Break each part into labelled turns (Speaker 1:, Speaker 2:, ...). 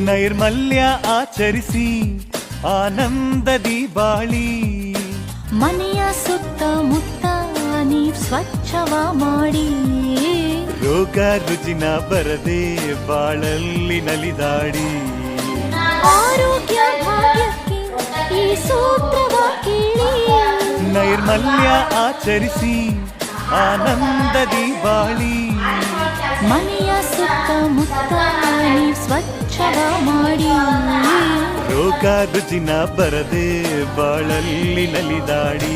Speaker 1: ನೈರ್ಮಲ್ಯ ಆಚರಿಸಿ ಆನಂದದಿ ಬಾಳಿ.
Speaker 2: ಮನೆಯ ಸುತ್ತಮುತ್ತ ನೀವ್ ಸ್ವಚ್ಛವ ಮಾಡಿ.
Speaker 1: ರೋಗ ರುಜಿನ ಬರದೆ ಬಾಳಲ್ಲಿ ನಲಿದಾಡಿ.
Speaker 2: ಆರೋಗ್ಯ ಭಾಗ್ಯಕ್ಕೆ ಈ ಸೂತ್ರವ ಕೇಳಿ.
Speaker 1: ನೈರ್ಮಲ್ಯ ಆಚರಿಸಿ ಆನಂದದಿ ಬಾಳಿ.
Speaker 2: ಮನೆಯ ಸುತ್ತಮುತ್ತ ನೀವ್ ಸ್ವಚ್ಛವ ಮಾಡಿ.
Speaker 1: ರೋಗ ರುಜಿನ ಬರದೆ ಬಾಳಲ್ಲಿ ನಲಿದಾಡಿ.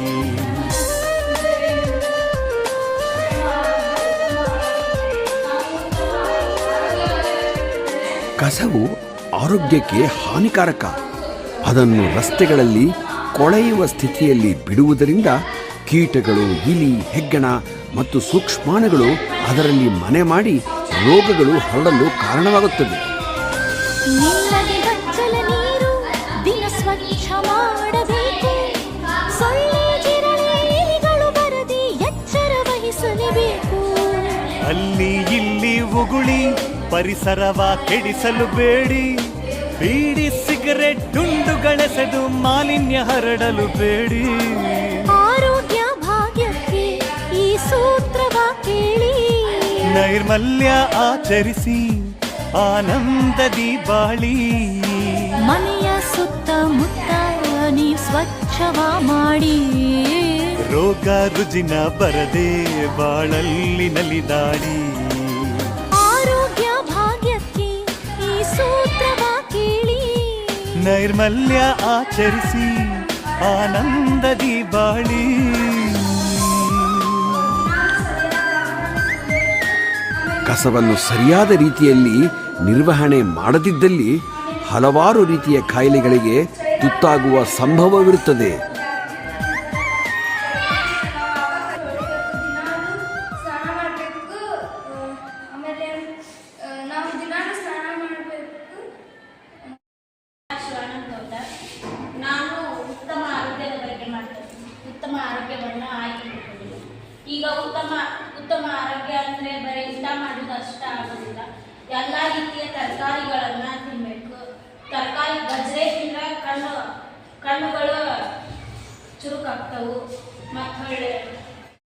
Speaker 3: ಕಸವು ಆರೋಗ್ಯಕ್ಕೆ ಹಾನಿಕಾರಕ. ಅದನ್ನು ರಸ್ತೆಗಳಲ್ಲಿ ಕೊಳೆಯುವ ಸ್ಥಿತಿಯಲ್ಲಿ ಬಿಡುವುದರಿಂದ ಕೀಟಗಳು, ಇಲಿ, ಹೆಗ್ಗಣ ಮತ್ತು ಸೂಕ್ಷ್ಮಾಣುಗಳು ಅದರಲ್ಲಿ ಮನೆ ಮಾಡಿ ರೋಗಗಳು ಹರಡಲು ಕಾರಣವಾಗುತ್ತದೆ.
Speaker 2: ನಿಲ್ಲದೆ ಬಚ್ಚಲ ನೀರು ದಿನ ಸ್ವಚ್ಛ ಮಾಡಬೇಕು. ಸೊಳ್ಳೆ ಜಿರಳೆ ಇಲಿಗಳು ಬರದೆ ಎಚ್ಚರ ವಹಿಸಲೇಬೇಕು.
Speaker 1: ಅಲ್ಲಿ ಇಲ್ಲಿ ಉಗುಳಿ ಪರಿಸರವ ಕೆಡಿಸಲು ಬೇಡಿ. ಬೀಡಿ ಸಿಗರೆಟ್ ಡುಂಡುಗಳೆಸೆದು ಮಾಲಿನ್ಯ ಹರಡಲು ಬೇಡಿ.
Speaker 2: ಆರೋಗ್ಯ ಭಾಗ್ಯಕ್ಕೆ ಈ ಸೂತ್ರವ ಕೇಳಿ.
Speaker 1: ನೈರ್ಮಲ್ಯ ಆಚರಿಸಿ ಆನಂದದಿ ಬಾಳಿ.
Speaker 2: ಮನೆಯ ಸುತ್ತಮುತ್ತ ನೀವ್ ಸ್ವಚ್ಛವ ಮಾಡಿ.
Speaker 1: ರೋಗ ರುಜಿನ ಬರದೆ ಬಾಳಲ್ಲಿ ನಲಿದಾಡಿ.
Speaker 2: ಆರೋಗ್ಯ ಭಾಗ್ಯಕ್ಕೆ ಈ ಸೂತ್ರವ ಕೇಳಿ.
Speaker 1: ನೈರ್ಮಲ್ಯ ಆಚರಿಸಿ ಆನಂದದಿ ಬಾಳಿ.
Speaker 3: ಕಸವನ್ನು ಸರಿಯಾದ ರೀತಿಯಲ್ಲಿ ನಿರ್ವಹಣೆ ಮಾಡದಿದ್ದಲ್ಲಿ ಹಲವಾರು ರೀತಿಯ ಕಾಯಿಲೆಗಳಿಗೆ ತುತ್ತಾಗುವ ಸಂಭವವಿರುತ್ತದೆ.
Speaker 4: ನಾನು ಉತ್ತಮ ಆರೋಗ್ಯದ ಬಗ್ಗೆ ಮಾಡ್ತೇನೆ. ಉತ್ತಮ ಆರೋಗ್ಯವನ್ನು ಆಯ್ಕೆಮಾಡಿಕೊಂಡಿದ್ದೀನಿ. ಈಗ ಉತ್ತಮ ಆರೋಗ್ಯ ಅಂದರೆ ಬರೀ ಊಟ ಮಾಡೋದು ಅಷ್ಟ ಆಗೋದಿಲ್ಲ. ಎಲ್ಲ ರೀತಿಯ ತರಕಾರಿಗಳನ್ನು ತಿನ್ನಬೇಕು. ತರಕಾರಿ ಗಜ್ರೆ ತಿಂದರೆ ಕಣ್ಣುಗಳು ಚುರುಕಾಗ್ತವು. ಮತ್ತು